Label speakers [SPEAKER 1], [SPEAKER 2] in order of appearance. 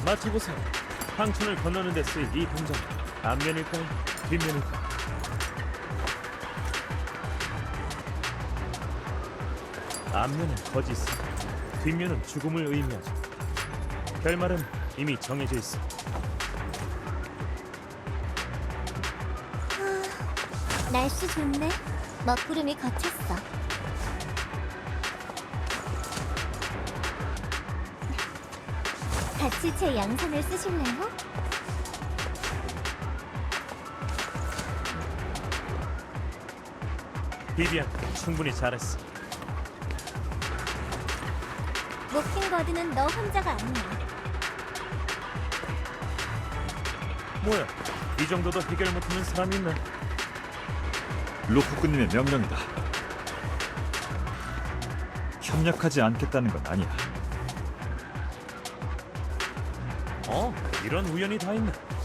[SPEAKER 1] 맞춰보세요. 황천을 건너는 데 쓰일 이 동전, 앞면일까요? 뒷면일까요? 앞면은 거짓, 뒷면은 죽음을 의미하죠. 결말은 이미 정해져 있어.
[SPEAKER 2] 날씨 좋네. 먹구름이 걷혔어. 같이 제 양산을 쓰실래요?
[SPEAKER 1] 비비안, 충분히 잘했어.
[SPEAKER 2] 모킹버드는 너 혼자가 아니야.
[SPEAKER 1] 뭐야, 이 정도도 해결 못하는 사람이 있나?
[SPEAKER 3] 로프꾼님의 명령이다. 협력하지 않겠다는 건 아니야.
[SPEAKER 1] 이런 우연이 다 있네.